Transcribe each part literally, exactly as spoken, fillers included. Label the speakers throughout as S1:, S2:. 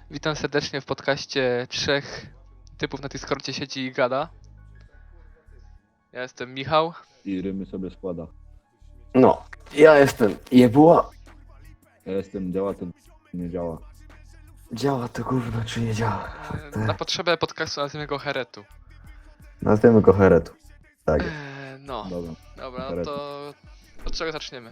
S1: Witam serdecznie w podcaście trzech typów na Discordzie siedzi i gada. Ja jestem Michał.
S2: I rymy sobie składa.
S3: No, ja jestem Jebuła.
S2: Ja jestem, działa to nie działa.
S3: Działa to gówno, czy nie działa?
S1: E, Na potrzebę podcastu nazwijmy go Heretu.
S3: Nazwiemy go Heretu. Tak.
S1: E, No,
S2: Dobra.
S1: dobra, no
S2: Heretu.
S1: to od czego zaczniemy?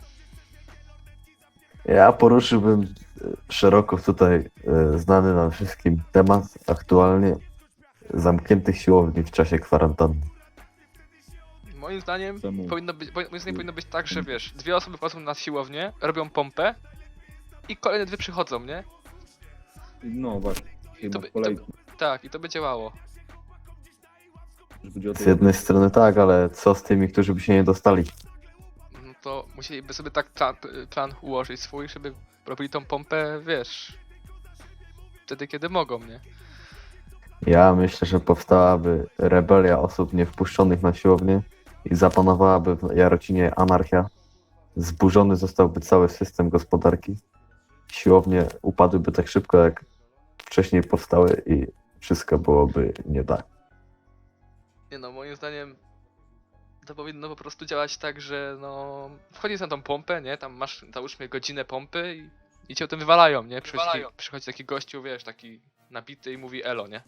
S3: Ja poruszyłbym e, szeroko tutaj e, znany nam wszystkim temat aktualnie zamkniętych siłowni w czasie kwarantanny.
S1: Moim zdaniem
S2: Czemu?
S1: powinno być, moim zdaniem powinno być tak, że wiesz, dwie osoby wchodzą na siłownię, robią pompę i kolejne dwie przychodzą, nie?
S2: No właśnie. I
S1: to
S2: masz
S1: by-
S2: kolejki.
S1: Tak, i to by działało.
S2: Chodzi o to,
S3: Z jednej strony tak, ale co z tymi, którzy by się nie dostali?
S1: No to musieliby sobie tak plan, plan ułożyć swój, żeby robili tą pompę, wiesz, wtedy kiedy mogą, nie?
S3: Ja myślę, że powstałaby rebelia osób niewpuszczonych na siłownię i zapanowałaby w Jarocinie anarchia. Zburzony zostałby cały system gospodarki. Siłownie upadłyby tak szybko, jak wcześniej powstały i wszystko byłoby nie tak.
S1: Nie no, moim zdaniem to powinno po prostu działać tak, że no wchodzisz na tą pompę, nie? Tam masz załóżmy godzinę pompy i, i cię o tym wywalają, nie? Przychodzi,
S2: Wywalają.
S1: Taki, przychodzi taki gościu, wiesz, taki nabity i mówi elo, nie?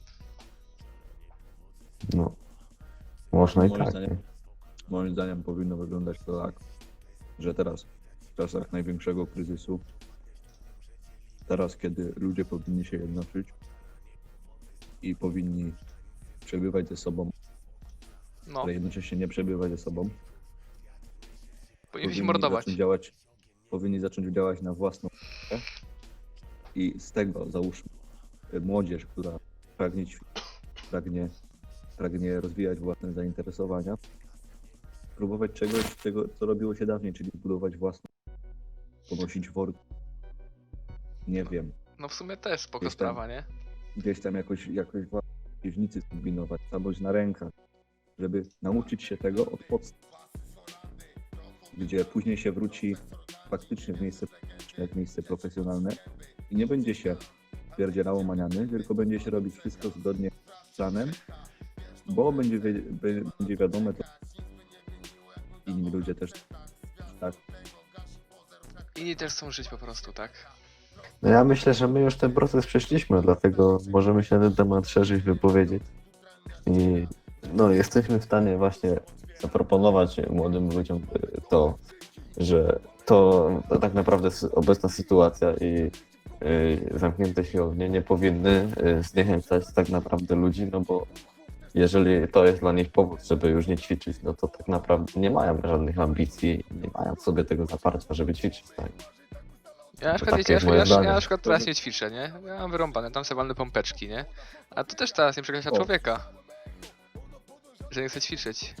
S3: No, można i
S2: Moim
S3: tak.
S2: zdaniem-
S3: nie?
S2: moim zdaniem powinno wyglądać to tak, że teraz, w czasach największego kryzysu, teraz kiedy ludzie powinni się jednoczyć i powinni przebywać ze sobą,
S1: No,
S2: ale jednocześnie nie przebywać ze sobą,
S1: powinni się mordować.
S2: zacząć działać, powinni zacząć działać na własną rękę i z tego załóżmy y, młodzież, która pragnie ćwiczyć, pragnie, pragnie rozwijać własne zainteresowania, próbować czegoś, czego, co robiło się dawniej, czyli budować własną, ponosić worki, nie wiem,
S1: No w sumie też spoko
S2: Gdzieś tam.
S1: sprawa, nie?
S2: gdzieś tam jakoś, jakoś własne piwnicy kombinować, alboś na rękach, żeby nauczyć się tego od podstaw, gdzie później się wróci faktycznie w miejsce publiczne, w miejsce profesjonalne i nie będzie się pierdzielało maniany, tylko będzie się robić wszystko zgodnie z planem, bo będzie, wie, be- będzie wiadome, to inni ludzie też tak.
S1: Inni też chcą żyć po prostu, tak?
S3: No ja myślę, że my już ten proces przeszliśmy, dlatego możemy się na ten temat szerzej wypowiedzieć. I no, jesteśmy w stanie właśnie zaproponować młodym ludziom y, to, że to, to tak naprawdę s- obecna sytuacja i y, zamknięte siłownie nie powinny y, zniechęcać tak naprawdę ludzi, no bo jeżeli to jest dla nich powód, żeby już nie ćwiczyć, no to tak naprawdę nie mają żadnych ambicji, nie mają w sobie tego zaparcia, żeby ćwiczyć. Tak?
S1: Ja na
S3: To
S1: przykład,
S3: takie
S1: wiecie, ja,
S3: jest
S1: ja,
S3: moje
S1: ja,
S3: zdanie.
S1: ja na przykład teraz nie ćwiczę, nie? Ja mam wyrąbane, tam sobie walne pompeczki, nie? A to też teraz nie przekreśla
S2: O.
S1: człowieka, że nie chce ćwiczyć.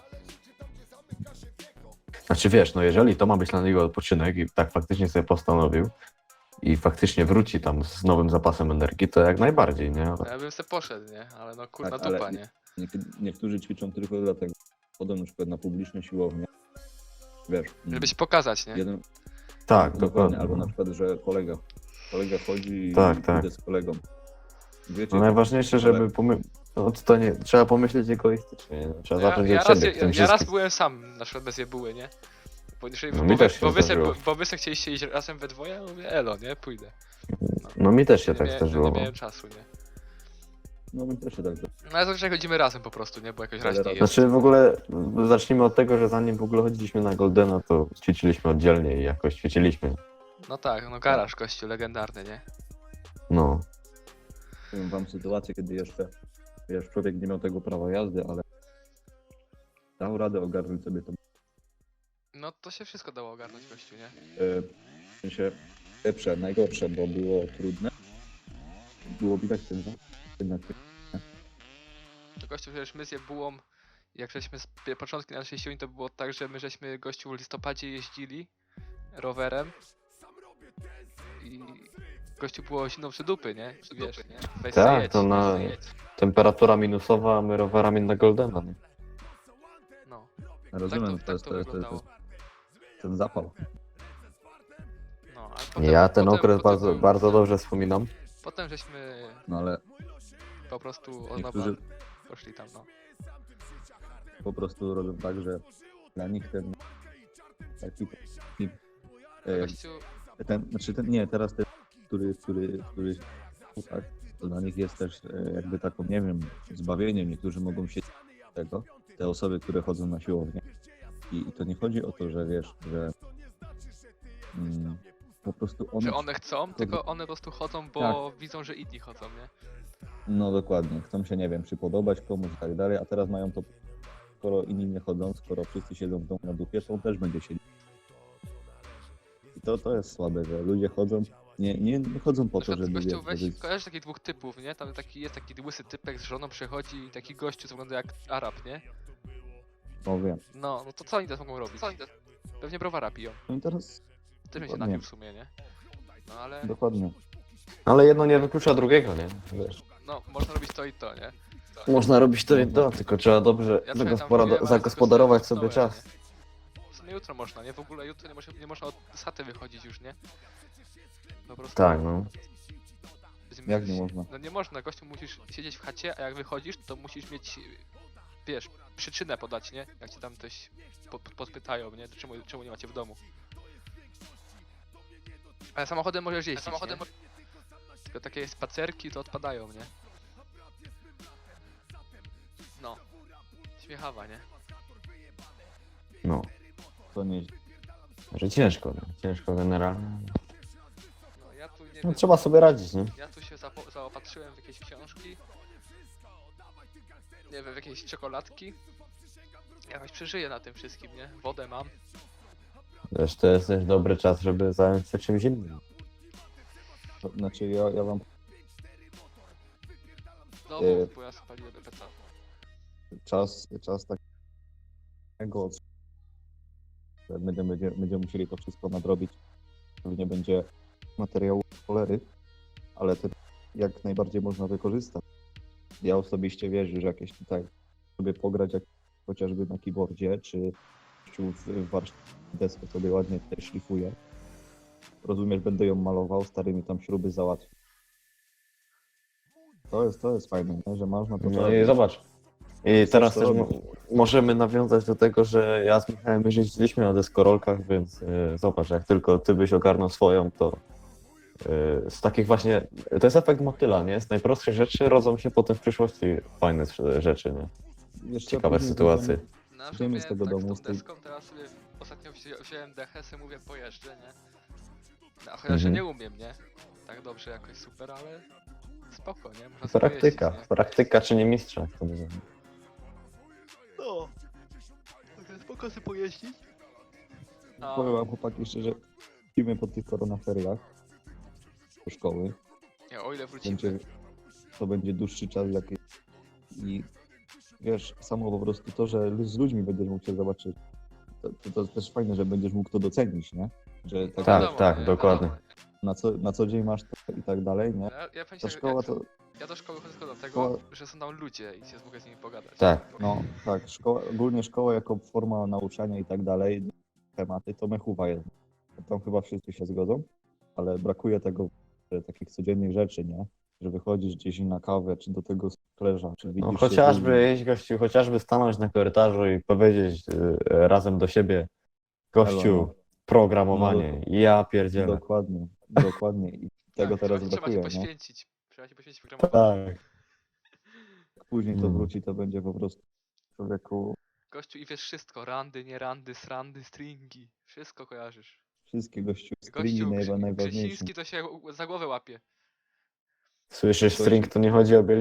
S3: Znaczy wiesz, no jeżeli to ma być dla niego odpoczynek i tak faktycznie sobie postanowił i faktycznie wróci tam z nowym zapasem energii, to jak najbardziej, nie? Ale
S1: Ja bym se poszedł, nie? Ale no kurna
S2: Tak, ale
S1: dupa,
S2: nie-
S1: nie?
S2: Niekiedy, niektórzy ćwiczą tylko dlatego, chodzą na przykład na publiczne siłownie, wiesz,
S1: Żeby się pokazać, nie?
S2: jeden,
S3: tak,
S2: dokładnie,
S3: dokładnie.
S2: albo na przykład, że kolega, kolega chodzi i
S3: Tak,
S2: idę
S3: tak.
S2: z kolegą. Wiecie,
S3: No najważniejsze, żeby
S2: ale-
S3: pomy... no, to nie, trzeba pomyśleć egoistycznie, nie? Trzeba
S1: Ja,
S3: zacząć
S1: ja,
S3: od
S1: raz,
S3: siebie w
S1: ja,
S3: tym
S1: ja raz
S3: wszystkim.
S1: byłem sam, na przykład bez jebuły, nie? Bo, jeżeli,
S3: No
S1: bo,
S3: mi
S1: wy,
S3: też się
S1: bo, wy se,
S3: zdarzyło.
S1: bo, bo wy se chcieliście iść razem we dwoje, ja mówię elo, nie? Pójdę.
S3: No mi też się
S1: Nie,
S3: tak
S1: mia-
S3: zdarzyło.
S1: nie miałem czasu, nie?
S2: No my też się tak, że
S1: No ale zazwyczaj chodzimy razem po prostu, nie? Bo jakoś
S2: Ale
S1: raźniej
S2: raz-
S1: jest.
S3: Znaczy w ogóle zacznijmy od tego, że zanim w ogóle chodziliśmy na Goldena, to ćwiczyliśmy oddzielnie i jakoś ćwiczyliśmy.
S1: No tak, no garaż gościu legendarny, nie?
S3: No.
S2: powiem wam sytuację, kiedy jeszcze, wiesz, człowiek nie miał tego prawa jazdy, ale dał radę ogarnąć sobie to.
S1: No to się wszystko dało ogarnąć gościu, nie?
S2: E, w sensie lepsze, najgorsze, bo było trudne. Było widać ten za- jednak
S1: To gościu, przecież my z jebułą, jak żeśmy z pie- początki naszej siłowni, to było tak, że my żeśmy gościu w listopadzie jeździli rowerem i gościu było zimną przy dupy, nie? I wiesz, nie? Weź
S3: Tak,
S1: se jedź,
S3: to na-
S1: weź se jedź.
S3: Temperatura minusowa, a my rowerami na Goldena, nie?
S1: No,
S2: rozumiem,
S1: tak
S2: to
S1: to, tak
S2: jest,
S1: to
S2: to jest, to
S1: wyglądało.
S2: jest ten zapał.
S1: No, ale potem,
S3: Ja ten
S1: potem,
S3: okres
S1: potem
S3: bardzo,
S1: był-
S3: bardzo dobrze wspominam.
S1: Potem żeśmy
S2: No ale
S1: po prostu od nowa
S2: niektórzy
S1: poszli tam, no.
S2: po prostu robią tak, że dla nich ten taki, taki e,
S1: Gościu,
S2: ten, znaczy ten, nie, teraz ten, który, który, który tak, to dla nich jest też e, jakby taką, nie wiem, zbawieniem. Niektórzy mogą się z tego, te osoby, które chodzą na siłownię. I, i to nie chodzi o to, że wiesz, że mm, po prostu one,
S1: że one chcą, tylko one po prostu chodzą, bo widzą, że inni chodzą, nie?
S2: no dokładnie, chcą się, nie wiem, przypodobać komuś i tak dalej, a teraz mają to, skoro inni nie chodzą, skoro wszyscy siedzą w domu na dupie, to on też będzie siedzieć. I to, to jest słabe, że ludzie chodzą, nie, nie, nie chodzą po
S1: Na
S2: to,
S1: przykład
S2: żeby,
S1: gościu,
S2: wiesz,
S1: weź,
S2: żeby
S1: kojarzysz takich dwóch typów, nie? Tam taki jest taki łysy typek z żoną przychodzi i taki gościu, co wygląda jak Arab, nie?
S2: no wiem.
S1: No, no to co oni teraz mogą robić? Co oni teraz... Pewnie browara piją.
S2: No i teraz
S1: Też bym się
S2: Dokładnie.
S1: napił w sumie, nie? No ale,
S2: dokładnie.
S3: Ale jedno nie wyklucza drugiego, nie? Wiesz.
S1: no, można robić to i to, nie?
S3: Można robić to i to, tylko trzeba dobrze
S1: Ja
S3: zagospodaro-
S1: mówiłem, ale
S3: zagospodarować
S1: tylko
S3: sobie
S1: sobie
S3: czas.
S1: W sumie jutro można, nie? W ogóle jutro nie, może, nie można od saty wychodzić już, nie? Po prostu...
S3: Tak, no.
S1: będziemy
S2: Jak nie
S1: mieć-
S2: można?
S1: No nie można, gościu musisz siedzieć w chacie, a jak wychodzisz, to musisz mieć, wiesz, przyczynę podać, nie? Jak cię tam coś po, po- podpytają, nie? To czemu, czemu nie macie w domu? Ale samochodem możesz jeździć, samochodem mo- tylko takie spacerki to odpadają, nie? No. Śmiechawa, nie?
S3: No.
S2: To nie,
S3: Że ciężko, no. Ciężko generalnie.
S1: No ja tu nie
S3: No
S1: wiem,
S3: trzeba sobie radzić, nie?
S1: ja tu się zapo- zaopatrzyłem w jakieś książki. Nie wiem, w jakieś czekoladki. Jakoś przeżyję na tym wszystkim, nie? Wodę mam.
S3: Wiesz, to jest też dobry czas, żeby zająć się czymś innym.
S2: to, znaczy ja, ja wam
S1: No
S2: Yy.
S1: mów, bo ja spaliłem peca.
S2: czas, czas takiego, że będziemy, będziemy, będziemy musieli to wszystko nadrobić. Pewnie będzie materiału cholery, ale to jak najbardziej można wykorzystać. Ja osobiście wierzę, że jakieś tutaj sobie pograć jak chociażby na keyboardzie, czy gościu w, w warsztacie deskę sobie ładnie tutaj szlifuje. Rozumiesz, będę ją malował, starymi tam śruby załatwił. To jest, to jest fajne, nie? Że można to
S3: No
S2: robić.
S3: i zobacz. I teraz
S2: to
S3: też
S2: robić.
S3: mo- możemy nawiązać do tego, że ja z Michałem już jeździliśmy na deskorolkach, więc y, zobacz, jak tylko ty byś ogarnął swoją, to y, z takich właśnie, to jest efekt motyla, nie? Z najprostszych rzeczy rodzą się potem w przyszłości fajne s- rzeczy, nie?
S2: Wiesz co,
S3: Ciekawe
S2: później
S3: sytuacje.
S1: No,
S2: Idziemy z
S1: sobie
S2: tego
S1: tak
S2: domu,
S1: z
S2: z
S1: tą
S2: tej-
S1: deską, teraz sobie ostatnio wzi- wziąłem dechę, sobie mówię pojeżdżę, nie? No, a chociaż ja
S3: Mhm.
S1: nie umiem, nie? Tak dobrze jakoś super, ale spoko, nie? Można sobie
S3: Praktyka,
S1: pojeździć, nie?
S3: praktyka czy nie mistrza, jak to mówię.
S1: No, także spoko sobie pojeździć. A,
S2: Powiem wam chłopaki szczerze, wrócimy po tych koronaferiach do szkoły.
S1: nie, o ile wrócimy.
S2: Będzie, to będzie dłuższy czas jakiś i wiesz, samo po prostu to, że lu- z ludźmi będziesz mógł się zobaczyć, to, to, to też fajne, że będziesz mógł to docenić, nie? Że tak,
S3: Tak,
S1: wiadomo,
S3: tak,
S1: nie?
S3: dokładnie.
S1: Wiadomo.
S2: na, co, na co dzień masz to i tak dalej, nie?
S1: Ja, ja powiem ci,
S2: Ta
S1: że
S2: szkoła
S1: jak,
S2: to,
S1: ja do szkoły chodzę tylko dlatego,
S2: Szkoła-
S1: że są tam ludzie i się mogę z nimi pogadać.
S3: Tak.
S2: no tak, szkoła, ogólnie szkoła jako forma nauczania i tak dalej, tematy, to mechuwa jest. Tam chyba wszyscy się zgodzą, ale brakuje tego, że takich codziennych rzeczy, nie? Że wychodzisz gdzieś na kawę, czy do tego sklerza, czy widzisz
S3: No
S2: się z
S3: chociażby,
S2: ludźmi.
S3: jeść gościu, chociażby stanąć na korytarzu i powiedzieć y, razem do siebie, gościu,
S2: Elo, no.
S3: programowanie, ja pierdzielę.
S2: Dokładnie, dokładnie. I tego
S1: Tak,
S2: teraz
S1: trzeba, trzeba się
S2: brakuje, nie?
S1: poświęcić. Trzeba się poświęcić programowaniu.
S3: Tak.
S2: Jak później to
S3: Mm.
S2: wróci, to będzie po prostu człowieku,
S1: Gościu i wiesz wszystko, randy, nie randy, srandy, stringi, wszystko kojarzysz.
S2: wszystkie gościu, stringi
S1: Gościu
S2: najwa,
S1: Grzy-
S2: najważniejsze.
S1: Grzysiński to się u- za głowę łapie.
S3: Słyszysz, string, to nie chodzi o biel